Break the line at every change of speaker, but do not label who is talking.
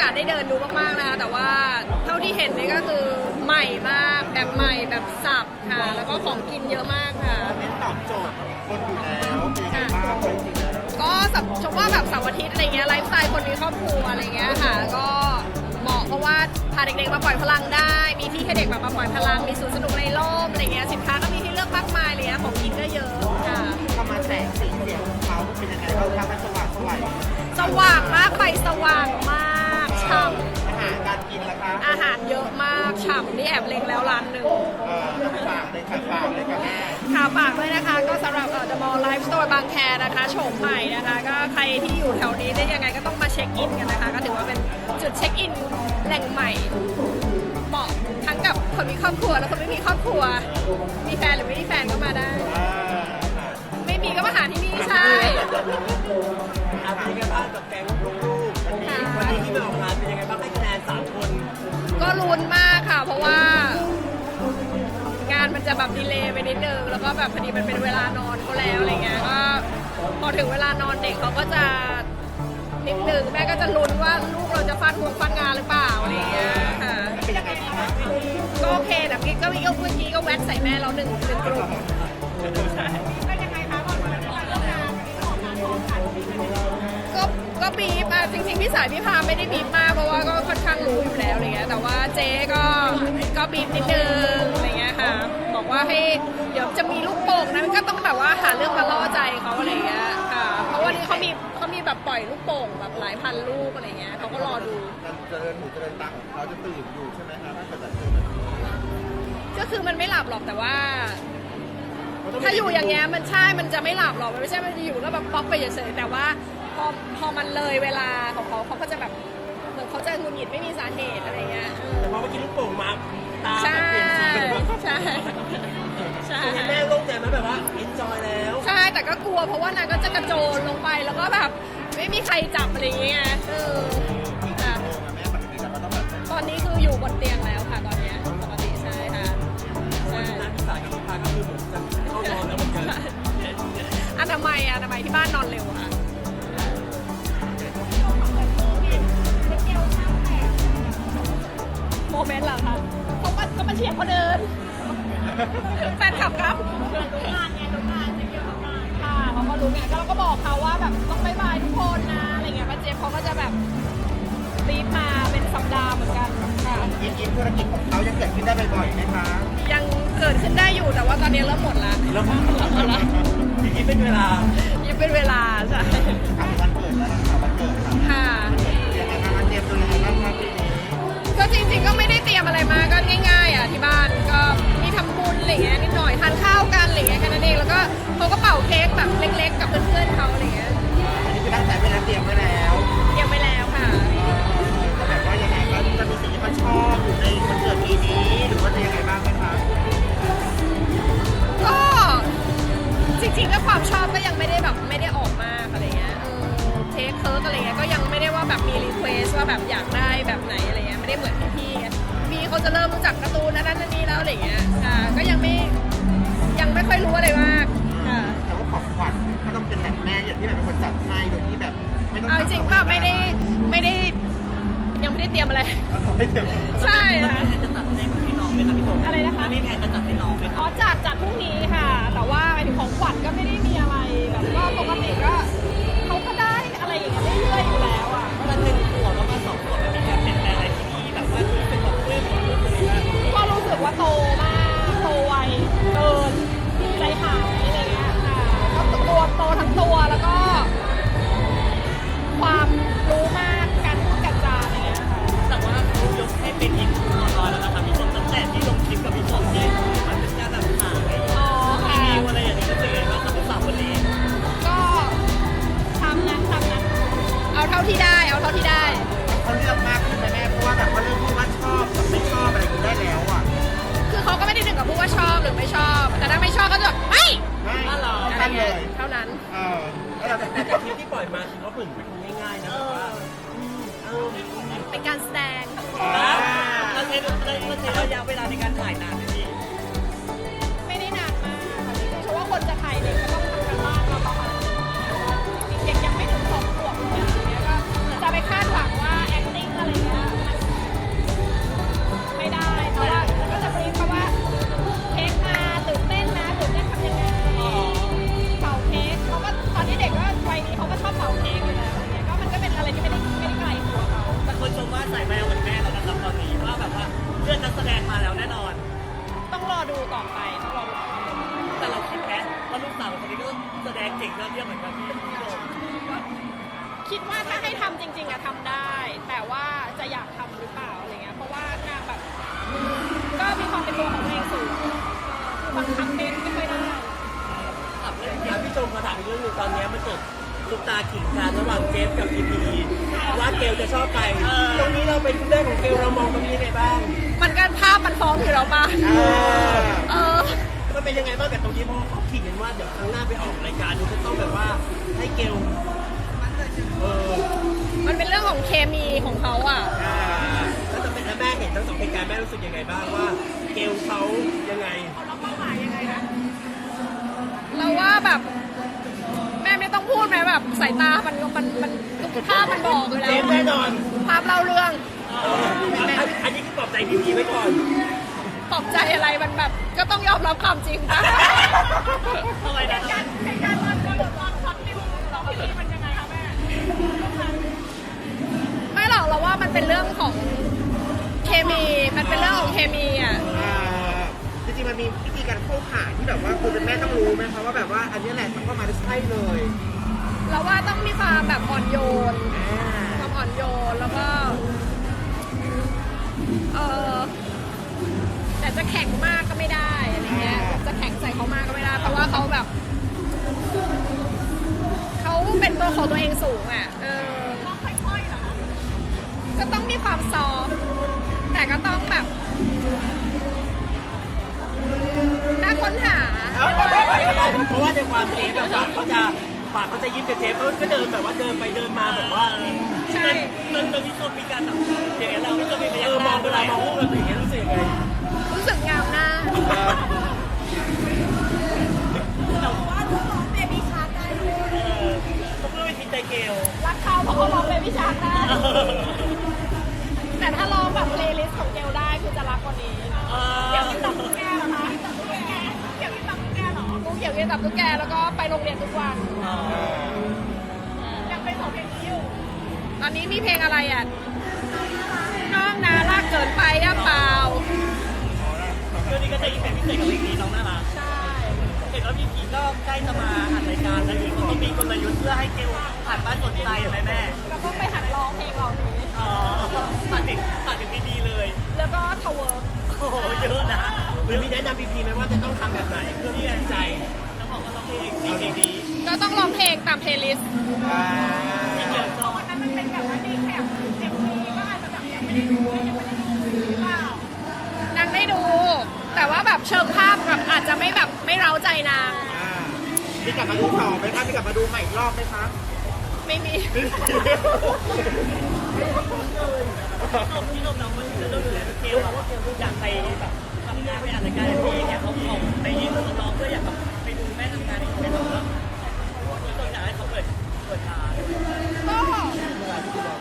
อกาสได้เดินดูมากๆนะคะแต่ว่าเท่าที่เห็นนี่ก็คือใหม่มากแบบใหม่แบบสับค่ะแล้วก็ของกินเยอะมากค่ะ
เน้นตอบโจทย์คนอยู่แล้วเป็นยังไงบ้างจริงๆแล้ว
ก็ชมว่าแบบเสาร์อาทิตย์อะไรเงี้ยไลฟ์สไตล์คนมีครอบครัวอะไรเงี้ยค่ะก็เหมาะเพราะว่าพาเด็กๆมาปล่อยพลังได้มีที่ให้เด็กแบบมาปล่อยพลังมีสวนสนุกในร่มอะไรเงี้ยสินค้าก็มีให้เลือกมากมายเลยนะของกินก็เยอะค่ะ
เข้ามาแสงสีเสียงของเขาเป็นยังไงบ้างคะมันสว่างสวย
สว่างมากไฟสว่างมากฉ่
อาหารการกินล่ะคะ
ำอาหารเยอะมากฉ่ำนี่แอบเล็งแล้วร้านหนึ่ง
ฝากเลยค่ะฝากเลยค่ะแม่
ค่ะฝากด้วยนะคะก็สำหรับThe Mall Life Store บางแคนะคะโฉมใหม่นะคะก็ใครที่อยู่แถวนี้ได้ยังไงก็ต้องมาเช็คอินกันนะคะก็ถือว่าเป็นจุดเช็คอินแหล่งใหม่เหมาะทั้งกับคนมีครอบครัวและคนไม่มีครอบครัวมีแฟนหรือไม่มีแฟนก็มาได้ ไม่มีก็มาหาที่นี่ใช่
เป็นยังไงบ้างกับแก๊งลูกๆวันนี้ที่มาออกงานเป็นยังไงบ้างให้คะแนน3 คน
ก็ลุ้นมากค่ะ เพราะว่างานมันจะแบบดีเลย์ไปนิดนึงแล้วก็แบบพอดีมันเป็นเวลานอนเขาแล้วอะไรเงี้ยก็พอถึงเวลานอนเด็กเขาก็จะนิดนึงแม่ก็จะลุ้นว่าลูกเราจะฟาดงานหรือเปล่าอะไรเงี้ยค่ะ
เป็นยังไงคะ
ก็โอเคแต่พี่ก็เมื่อกี้ก็แวะใส่แม่เราหนึ่งกลุ่มก็บีบอะจริงๆพี่สายพี่พาไม่ได้บีบมากเพราะว่าก็ค่อนข้างรู้อยู่แล้วอะไรเงี้ยแต่ว่าเจ๊ก็บีบนิดนึงอะไรเงี้ยค่ะบอกว่าให้เดี๋ยวจะมีลูกโป่งนะก็ต้องแบบว่าหาเรื่องมาล่อใจเขาอะไรเงี้ยค่ะเพราะว่านี่เขามีแบบปล่อยลูกโป่งแบบหลายพันลูกอะไรเงี้ยเขาก็รอดู
การเจริญหูเจริญตาของเขาจะตื่นอยู่ใช่ไหมคะถ้าเกิดจะเจอแบบนี้
ก็คือมันไม่หลับหรอกแต่ว่า ถ้าอยู่อย่างเงี้ยมันใช่มันจะไม่หลับหรอกมันไม่ใช่มันจะอยู่แล้วแบบป๊อกไปเฉยๆแต่ว่าพอมันเลยเวลาของเขาก็จะแบบเหมือนเขาจะหงุดหงิดไม่มีสาเหตุอะไรเงี้ย
แต่พอเมื่อกี้ลูกโป่งมาตา
ใช่
เปลี่ยนสีเลย
ใช่ใช่
แม่โล่งใจไหมแบบว่า enjoy แล้ว
ใช่แต่ก็กลัวเพราะว่านางก็จะกระโจนลงไปแล้วก็แบบไม่มีใครจับอะไรอย่างเงี้ยค่ะ
แม่ปกติเราก็ต้องแบบ
ตอนนี้คืออยู่บนเตียงแล้วค่ะตอนเนี้ยปกติใช่ค่ะใช่
งานที่สายกับลูกค้าก็คือเหมือนจะเข้านอนแล้วเหมือนกัน
อนามัยที่บ้านนอนเร็วค่ะโมเมนต์เหรอคะเขาก็มาเชียร์เขาเดินแฟนคลับครับรู้งานจะเกี่ยวกับงานค่ะเขาก็รู้ไงก็เราก็บอกเขาว่าแบบต้องบายทุกคนนะอะไรเงี้ยป้าเจี๊ยบเขาก็จะแบบรีบมาเป็นสัปดาห์เหมือนกันค่ะ
ยิ้มธุรกิจของเขายังเกิดขึ้นได้บ่อยๆไหมคะ
ยังเกิดขึ้นได้อยู่แต่ว่าตอนนี้เริ่มหมดละ
แล้วพี่คิดเป็นเวลา
ยังเป็นเวลาใช่
ถามวันเกิดแล้วนะคะวันเกิดค่ะ
ค่ะ
ยังไงคะมันเตรียมตัวยังไงบ้างคะปีนี้
ก็จริงๆก็ไม่ได้เตรียมอะไรมาก็ง่ายๆอ่ะที่บ้านก็มีทำบุญอะไรเงี้ยนิดหน่อยทานข้าวกันอะไรเงี้ยแค่นั้นเองแล้วก็เขาก็เป่าเค้กแบบเล็กๆกับเพื่อนๆเขาอะไรเงี้ย
อันนี้คือตั้งใจไว้แล้วเตรียมไว้แล้ว
เตรียมไปแล้วค่ะ
ก็แบบว่ายังไงก็จะมีสิ่งที่เขาชอบอยู่ในวันเกิดปีนี้หรือว่าจะยังไงบ้างไหมคะ
ก็จริงๆก็ความชอบก็ยังไม่ได้แบบไม่ได้ออกมากอะไรเงี้ยเค้กเคิร์กอะไรเงี้ยก็ยังไม่ได้ว่าแบบมีรีเควสว่าแบบอยากได้แบบไหนอะไรเงี้ยไม่ได้เหมือนพี่ๆไงพี่เขาจะเริ่มรู้จักการ์ตูนนั่นนี่แล้วอะไรเงี้ยค่ะก็ยังไม่ค่อยรู้อะไรมากค่ะ
แต่ว่าของขวัญก็ต้องเป็นแบบแม่อย่างที่แบบเป็นคนจัดให้โดยที่แบบไม่ต้อง
เอาจริงๆก็ไม่ได้ยังไม่ได้เตรียมอะไร
ไม่เต็ม
ใช่ค่ะ
จะตัดให้น้องไหมครับพี่โต
อะไรนะคะ
นี่แพนจะตัดให้น้องไหมค
อ๋
รั
อบจัดพรุ่งนี้ค่ะ แต่ว่าหมายถึงของขวัญก็ไม่ได้มีอะไรแบบก็ปกติก็เขาก็ได้อะไรอย่างเงี้ยเรื่อยๆอยู่แล้วอ่ะ
มัน1 ขวบแล้วก็2 ขวบมันมีการเปลี่ยนแปลงอะไรที่นี่แบบว่าเป็นแบบเรื่องของลูกเลยนะ
ก็รู้สึกว่าโตมากโตไวเกินใจหายอะไรเงี้ยค่ะก็ตัวโตทั้งตัวแล้วก็ ความรู้มากการพูดการจาอะไรเงี้ยค่ะ
แต่ว่าเขายกให้เป็นอีกร้อยแล้วนะครับพี่ชมตั้งแต่ที่ลงคลิปกับพี่ชมที่มันเป็นการแบบหาอะไร
อ๋อค่ะ
รีวิวอะไรอย่างนี้รู้สึกไงบ้างครับสาวคนนี้
ก็ทำนั้นเอาเท่าที่ได้
เขาเลือกมากขึ้นไหมแม่เพราะว่าแบบว่าเรื่องที่ว่าชอบกับไม่ชอบอะไรอย่างนี้ได้แล้วอ่ะ
คือเขาก็ไม่ได้ถึงกับพูดว่าชอบหรือไม่ชอบ แต่ถ้าไม่ชอบก็จะแบบไม่
ไม่
อ๋อเหรอ
ตั้งเลย
เท่านั้น
แล้วเราจะ
แต่คลิปที่ปล่อยมาถือว่าเหมือนเป็นคนง่ายๆนะแบบว่าเออ
เป็นการแสดง
เราใช้ระยะเวลาในการถ่ายนานไหมพี่
ไม่ได้นานมากค่ะจริงๆเพราะว่าคนจะถ่ายเด็กก็ต้องทำกันบ้านมาประมาณนึงจริงๆเด็กยังไม่ถึง2 ขวบเลยอะไรเงี้ยก็จะไปคาดหวังว่า acting อะไรทำจริงๆอะทำได้ แต่ว่าจะอยากทำหรือเปล่าอะไรเงี้ยเพราะว่านางแบบก็มีความเป็นตัวของตัวเองสูงคือบางครั้งเป็นไม่ค่อยได้
พี่ชมมาถามอีกเรื่องหนึงตอนนี้มันเกิดซุปตาขิงกันระหว่างเจฟกับพีพีว่าเกลจะชอบใครตรงนี้เราเป็นเรื่องของเกลเรามองตรงนี้ยังไงบ้าง
มันก็ภาพมันฟ้องอยู่แล้วมา
มันเป็นยังไงบ้างกับตรงนี้เพราะเขาขิงกันว่าเดี๋ยวครั้งหน้าไปออกรายการดูจะต้องแบบว่าให้เกล
มันเป็นเรื่องของเคมีของเขาอ่ะ
แล้วจะเป็นแม่เห็นทั้งสองเหตุการณ์แม่รู้สึกยังไงบ้างว่าเกลเขายังไง
เราเป้าหมายยังไงนะเราว่าแบบแม่ไม่ต้องพูดไหมแบบสายตามันภาพมันบอกอยู่แล้ว
แน่นอน
ภาพเล่าเรื่อง
อันนี้คือปลอบใจพีพีไว้ก่อน
ปลอบใจอะไรมันแบบก็ต้องยอมรับความจริงป่ะ
อะไรนะ
การมันก็ตอนช็อตนิวเราพี่มันยังไงคะแม่ไม่หรอกเราว่ามันเป็นเรื่องของเคมีมันเป็นเรื่องของเคมีอ่ะ
จริงๆมันมีวิธีการเข้าขาที่แบบว่าคุณเป็นแม่ต้องรู้ไหมคะว่าแบบว่าอันนี้แหละมันก็มาได้ใช่เลย
เราว่าต้องมีความแบบอ่อนโยนความอ่อนโยนแล้วก็แต่จะแข็งมากก็ไม่ได้อะไรเงี้ยจะแข็งใส่เขามากก็ไม่ได้เพราะว่าเขาแบบเขาเป็นตัวของตัวเองสูงอ่ะต้องค่อยๆเหรอก็ต้องมีความซอฟแต่ก็ต้องแบบน่าค้นหา
เพราะว่าในความเทปแบบปากเขาจะยิ้มแต่เทปเขาก็เดินแบบว่าเดินไปเดินมาแบบว่า
ใช่
ตอนนี้คนมีการแบบอย่างเงี้ยเราไม่จะมีพยายามเวลามองรูปแบบอย่างเงี้ยรู้สึกยังไง
รู้สึกงามหน้าแต่ว่าเขาร้องเบบี้ชาร์กได้
เขาเพื่อวิธีใจเกล
รักเขาเพราะเขาร้องเบบี้ชาร์กได้แต่ถ้าร้องแบบเพลย์ลิสต์ของเกลได้คือจะรักกว่านี้เกี่ยวกับตุ๊กแกเหรอคะเกี่ยวกับตุ๊กแกเหรอเกี่ยวกับตุ๊กแกแล้วก็ไปโรงเรียนทุกวันยังเป็นของเพลงนี้อยู่ตอนนี้มีเพลงอะไรอ่ะน้องนารักเกินไปอ่ะเปล่า
เรื่องนี้ก็จะอีกแบบพิเศษกับเพลงนี้น้องน่ารัก
ใช่
เห็นว่าพี่ผีก็ใกล้จะมาอัดรายการแล้วอีกต้องมีกลยุทธ์เพื่อให้เกลหันมาสนใจไหมแม่
แล้วก็ไปหัดร้องเพลงเรานี้
ผ่านถึงดีเลย
แล้วก็ทาวเวอร์
โอ้โหเยอะนะหรือมีแนะนำพีไหมว่าจะต้องทำแบบไหนเพื่อที่จะใจแล้วบอกว่าร้องเพลงดี
ก็ต้องร้องเพลงตามเพลย์ลิสต์
ที่เกี่ยวกับ
วันนั้นมันเป็นแบบว่าดีแคปเต็มทีก็อาจจะแบบยังไม่ได้ดูหรือเปล่านางได้ดูแต่ว่าแบบเชิงภาพแบบอาจจะไม่แบบไม่เร้าใจนาง
มีกลับมาดูต่อไหมคะมีกลับมาดูใหม่อีกรอบไหมคะ
ไม่มี
พี่นมน้องมันจะต้องอยู่แล้วเกลว่าเกลอยากไปแบบทำงานไปอ่านรายการอะไรอย่างเงี้ยเขาบอกไปยื่นน้องเพื่ออยากไปดูแม่ทำงานอีกไม่ต้องแล้วพี่นมอยากให้เขาเปิดตา
ก็